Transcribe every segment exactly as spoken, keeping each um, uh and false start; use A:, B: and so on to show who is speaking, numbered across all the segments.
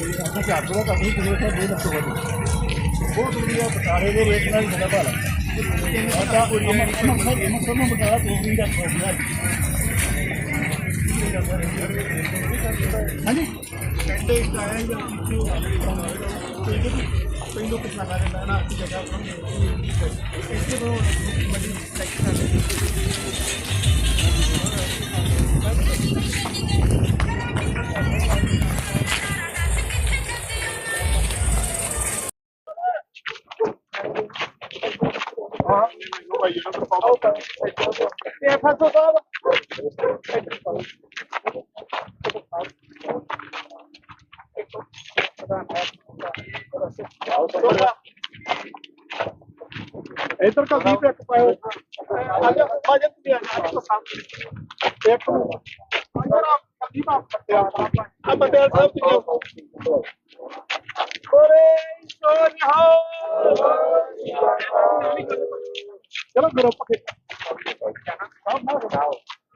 A: ਆਪਾਂ ਚਾਰ ਸੌ ਦਾ ਕੰਮ ਹੀ ਕਿਲੋ ਸਰ ਦੋ ਲੱਖ ਤੋਂ ਵੱਧ ਬਹੁਤ ਵਧੀਆ ਬਟਾਲੇ ਦੇ ਰੇਟ ਨਾਲ ਜ਼ਿਆਦਾ ਭਾਅ ਆਟਾ ਮਸਲ ਨੂੰ ਬਟਾਲਾ ਦੋ ਵੀ ਦਾ ਹੋ ਗਿਆ ਹਾਂਜੀ ਕੰਡੇ ਸਟਾਈਲ ਦਾ ਪਹਿਲੋਂ ਕਿੰਨਾ ਕਰ ਲੈਣਾ ਨਾ ਅੱਛੀ ਜਗ੍ਹਾ इसके तो मंडी इधर का भी एक पाए आगे बजट भी आ पसंद एक अगर आप कभी बात करते हैं आप बंदे सब कुछ ओरे सोनी हो चलो ग्रुप के सब ना बताओ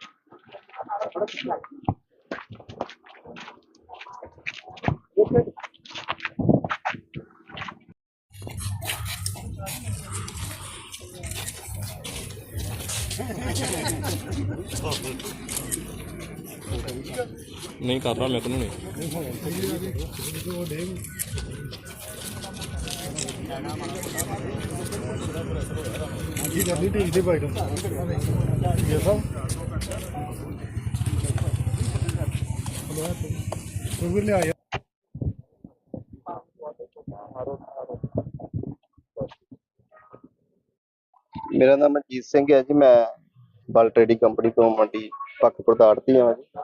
B: नहीं कर रहा मैं तो नहीं
C: मेरा नाम मनजीत सिंह है जी। मैं बल ट्रेडिंग कंपनी तो मंडी पक्कपुर ਦਾ ਆੜ੍ਹਤੀ ਹਾਂ ਜੀ।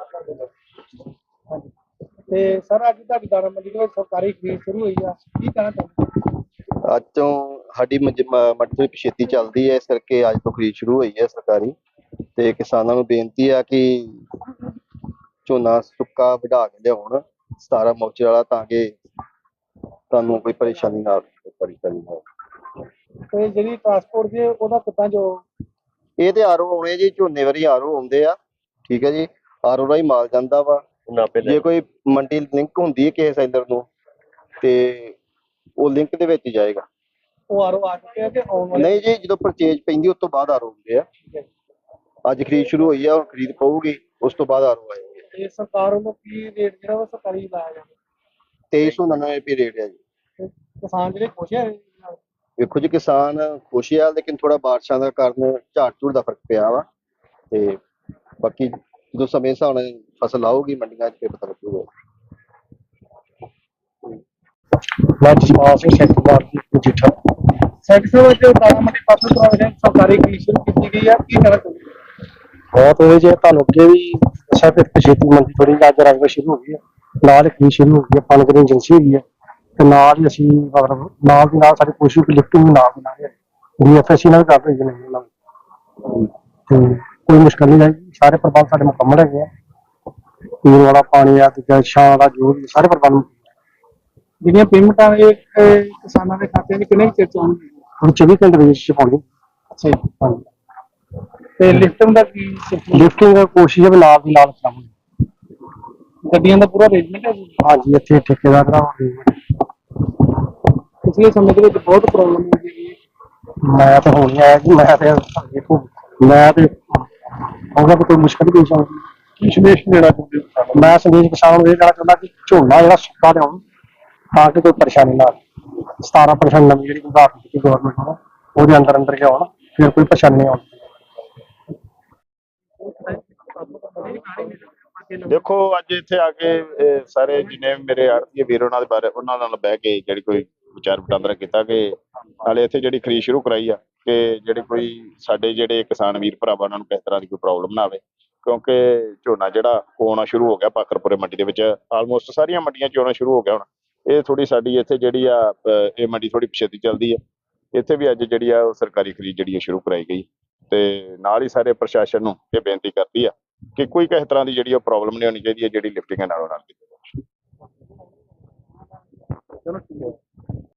A: ਤੇ ਸਰ ਅੱਜ ਤੁਹਾਡੀ ਦਾਣਾ ਮੰਡੀ ਦੇ ਵਿੱਚ ਸਰਕਾਰੀ ਖਰੀਦ ਸ਼ੁਰੂ ਹੋਈ ਆ ਕੀ ਕਹਿਣਾ ਚਾਹੁੰਦੇ
C: ਅੱਜ ਤੋਂ ਸਾਡੀ ਮੰਡੀ ਤੋਂ ਪਿਛੇਤੀ ਚੱਲਦੀ ਹੈ, ਇਸ ਕਰਕੇ ਅੱਜ ਤੋਂ ਖਰੀਦ ਸ਼ੁਰੂ ਹੋਈ ਹੈ ਸਰਕਾਰੀ। ਤੇ ਕਿਸਾਨਾਂ ਨੂੰ ਬੇਨਤੀ ਆ ਕਿ ਝੋਨਾ ਸੁੱਕਾ ਵਢਾ ਕੇ ਲਿਆਉਣ ਸਤਾਰਾਂ ਮੌਚੇ ਵਾਲਾ, ਤਾਂ ਕਿ ਤੁਹਾਨੂੰ ਕੋਈ ਪਰੇਸ਼ਾਨੀ ਨਾ ਆਵੇ ਪਰੇਸ਼ਾਨੀ ਨਾ
A: ਤੇ ਜਿਹੜੀ ਟਰਾਂਸਪੋਰਟ ਜੇ ਉਹਦਾ ਕਿੱਦਾਂ ਜੋ
C: ਇਹ ਤੇ ਆਰਓ ਆਉਣੇ ਜੀ, ਝੋਨੇ ਵਾਰੀ ਆਰਓ ਆਉਂਦੇ ਆ, ਠੀਕ ਹੈ ਜੀ। ਆਰਓ ਰਾਹੀਂ ਮਾਲ ਜਾਂਦਾ ਵਾ। ਜੇ ਕੋਈ ਮੰਡੀ ਲਿੰਕ ਹੁੰਦੀ ਹੈ ਕਿਸੇ ਸੈਲਰ ਨੂੰ ਤੇ ਉਹ ਲਿੰਕ ਦੇ ਵਿੱਚ ਜਾਏਗਾ।
A: ਉਹ ਆਰਓ ਆ ਚੁੱਕੇ ਆ ਤੇ ਆਉਣ ਵਾਲੇ
C: ਨਹੀਂ ਜੀ, ਜਦੋਂ ਪਰਚੇਜ ਪੈਂਦੀ ਉਸ ਤੋਂ ਬਾਅਦ ਆਰਓ ਹੁੰਦੇ ਆ। ਅੱਜ ਖਰੀਦ ਸ਼ੁਰੂ ਹੋਈ ਆ, ਹੁਣ ਖਰੀਦ ਪਊਗੀ, ਉਸ ਤੋਂ ਬਾਅਦ ਆਰਓ ਆਏਗੇ।
A: ਤੇ ਸਰਕਾਰ ਵੱਲੋਂ ਕੀ ਰੇਟ ਜਿਹੜਾ ਉਹ ਸਰਕਾਰੀ ਲਾਇਆ ਜਾਂਦਾ
C: ਤੇਈ ਸੌ ਨੱਨਵੇਂ ਰੁਪਏ ਰੇਟ ਹੈ ਜੀ।
A: ਤੇ ਕਿਸਾਨ ਜਿਹੜੇ ਖੁਸ਼ ਆ
C: ਵੇਖੋ ਜੀ, ਕਿਸਾਨ ਖੁਸ਼ ਆ, ਲੇਕਿਨ ਥੋੜਾ ਬਾਰਿਸ਼ਾਂ ਦਾ ਕਾਰਨ ਝਾੜ ਝੂੜ ਦਾ ਫਰਕ ਪਿਆ ਵਾ। ਤੇ ਬਾਕੀ ਜਦੋਂ ਸਮੇਂ ਹਿਸਾਬ ਨਾਲ ਫਸਲ ਆਊਗੀ ਮੰਡੀਆਂ 'ਚ ਫਿਰ ਪਤਾ ਲੱਗੂਗਾ।
A: ਮੈਂ ਜਸਪਾਲ ਸਿੰਘ ਸੈਕਟਰ ਮਜੀਠਾ ਸੈਕਟਰ ਵਿੱਚ ਦਾਣਾ ਮੰਡੀ ਪਾਸੋਂ ਤੋਂ ਸਰਕਾਰੀ ਖਰੀਦ ਸ਼ੁਰੂ ਕੀਤੀ ਗਈ ਆ, ਕੀ ਕਹਿਣਾ ਚਾਹੁੰਦੇ
D: ਬਹੁਤ ਹੋਏ ਜੇ ਤੁਹਾਨੂੰ ਅੱਗੇ ਵੀ ਅੱਛਾ ਫਿਰ ਛੇਤੀ ਮੰਡੀ ਥੋੜੀ ਅੱਜ ਰੰਗ ਸ਼ੁਰੂ ਹੋ ਗਈ ਹੈ, ਨਾਲ ਖਰੀਦ ਸ਼ੁਰੂ ਹੋ ਗਈ ਹੈ, ਫੰਡ ਦੀ ਏਜੰਸੀ ਹੈਗੀ ਹੈ ਤੇ ਨਾਲ ਹੀ ਅਸੀਂ ਮਤਲਬ ਨਾਲ ਦੀ ਨਾਲ ਸਾਡੀ ਕੋਸ਼ਿਸ਼ ਵੀ ਲਿਫਟਿੰਗ ਵੀ ਨਾਲ ਬਣਾ ਰਹੇ ਵੀ ਐਫ ਐਸ ਸੀ ਨਾਲ ਕਰ ਰਹੀ ਨਹੀਂ ਉਹਨਾਂ ਤੇ ਕੋਈ ਮੁਸ਼ਕਲ ਨਹੀਂ ਆਈ। ਸਾਰੇ ਪ੍ਰਬੰਧ ਸਾਡੇ ਮੁਕੰਮਲ ਹੈਗੇ ਆ, ਪੀਣ ਵਾਲਾ ਪਾਣੀ ਆ ਤੇ ਛਾਂ ਦਾ ਜੋ ਵੀ ਸਾਰੇ ਪ੍ਰਬੰਧ।
A: ਜਿਹੜੀਆਂ ਪੇਮੈਂਟਾਂ ਇਹ ਕਿਸਾਨਾਂ ਦੇ ਖਾਤੇ 'ਚ ਕਿੰਨੇ ਚਿਰ ਚ ਆਉਣਗੀਆਂ?
D: ਹੁਣ ਚੌਵੀ ਘੰਟੇ ਦੇ ਵਿੱਚ ਪਾਉਣੀ।
A: ਅੱਛਾ ਜੀ, ਹਾਂਜੀ। ਤੇ ਲਿਫਟਿੰਗ ਦਾ ਕੀ
D: ਲਿਫਟਿੰਗ ਦਾ ਕੋਸ਼ਿਸ਼ ਹੈ ਵੀ ਨਾਲ ਦੀ ਨਾਲ ਕਰਾਂਗੇ।
A: ਗੱਡੀਆਂ ਦਾ ਪੂਰਾ ਅਰੇਂਜਮੈਂਟ ਹੈ ਜੀ?
D: ਹਾਂਜੀ, ਇੱਥੇ ਠੇਕੇਦਾਰ ਦਾ
A: ਪਿਛਲੇ ਸਮੇਂ ਦੇ ਵਿੱਚ ਬਹੁਤ ਪ੍ਰੋਬਲਮ ਹੋ ਗਈ।
D: ਮੈਂ ਤਾਂ ਹੁਣ ਆਇਆ ਜੀ, ਮੈਂ ਤੇ ਦੇਖੋ ਮੈਂ ਤੇ ਉਹਨਾਂ ਕੋਈ ਮੁਸ਼ਕਲ ਨਹੀਂ ਪੇਸ਼ ਆਉਂਦੀ।
A: ਕੀ ਸੰਦੇਸ਼ ਦੇਣਾ ਚਾਹੁੰਦੇ ਹੋ?
D: ਮੈਂ ਸੰਦੇਸ਼ ਕਿਸਾਨਾਂ ਨੂੰ ਇਹ ਕਹਿਣਾ ਚਾਹੁੰਦਾ ਕਿ ਝੋਨਾ ਜਿਹੜਾ ਸੁੱਕਾ ਲਿਆਉਣ ਤਾਂ ਕਿ ਕੋਈ ਪਰੇਸ਼ਾਨੀ ਨਾ ਆਵੇ। ਸਤਾਰਾਂ ਪਰਸੈਂਟ ਨਵੀਂ ਜਿਹੜੀ ਉਧਾਰ ਦਿੱਤੀ ਗਵਰਨਮੈਂਟ ਨੂੰ ਉਹਦੇ ਅੰਦਰ ਅੰਦਰ ਲਿਆਉਣ, ਫਿਰ ਕੋਈ ਪਰੇਸ਼ਾਨੀ ਨਹੀਂ ਆਉਂਦੀ।
E: ਦੇਖੋ ਅੱਜ ਇੱਥੇ ਆ ਕੇ ਸਾਰੇ ਜਿੰਨੇ ਮੇਰੇ ਆੜ੍ਹਤੀਏ ਵੀਰ ਉਹਨਾਂ ਦੇ ਬਾਰੇ ਉਹਨਾਂ ਨਾਲ ਬਹਿ ਕੇ ਜਿਹੜੀ ਕੋਈ ਵਿਚਾਰ ਵਟਾਂਦਰਾ ਕੀਤਾ ਕਿ ਨਾਲੇ ਇੱਥੇ ਜਿਹੜੀ ਖਰੀਦ ਸ਼ੁਰੂ ਕਰਾਈ ਆ ਕਿ ਜਿਹੜੇ ਕੋਈ ਸਾਡੇ ਜਿਹੜੇ ਕਿਸਾਨ ਵੀਰ ਭਰਾਵਾਂ ਉਹਨਾਂ ਨੂੰ ਕਿਸੇ ਤਰ੍ਹਾਂ ਦੀ ਕੋਈ ਪ੍ਰੋਬਲਮ ਨਾ ਆਵੇ, ਕਿਉਂਕਿ ਝੋਨਾ ਜਿਹੜਾ ਹੋਣਾ ਸ਼ੁਰੂ ਹੋ ਗਿਆ ਪਾਕਰਪੁਰੇ ਮੰਡੀ ਦੇ ਵਿੱਚ, ਆਲਮੋਸਟ ਸਾਰੀਆਂ ਮੰਡੀਆਂ 'ਚ ਹੋਣਾ ਸ਼ੁਰੂ ਹੋ ਗਿਆ। ਹੁਣ ਇਹ ਥੋੜੀ ਸਾਡੀ ਇੱਥੇ ਜਿਹੜੀ ਆ ਇਹ ਮੰਡੀ ਥੋੜੀ ਪਿਛੇਤੀ ਚੱਲਦੀ ਹੈ। ਇੱਥੇ ਵੀ ਅੱਜ ਜਿਹੜੀ ਆ ਉਹ ਸਰਕਾਰੀ ਖਰੀਦ ਜਿਹੜੀ ਸ਼ੁਰੂ ਕਰਾਈ ਗਈ ਤੇ ਨਾਲ ਹੀ ਸਾਰੇ ਪ੍ਰਸ਼ਾਸਨ ਨੂੰ ਇਹ ਬੇਨਤੀ ਕਰਦੀ ਆ ਕਿ ਕੋਈ ਕਿਸੇ ਤਰ੍ਹਾਂ ਦੀ ਜਿਹੜੀ ਉਹ ਪ੍ਰੋਬਲਮ ਨਹੀਂ ਹੋਣੀ ਚਾਹੀਦੀ ਹੈ ਜਿਹੜੀ ਲਿਫਟਿੰਗ ਨਾਲੋਂ ਨਾਲ ਕੀਤੀ ਜਾਵੇ।
A: ਚਲੋ ਠੀਕ ਹੈ।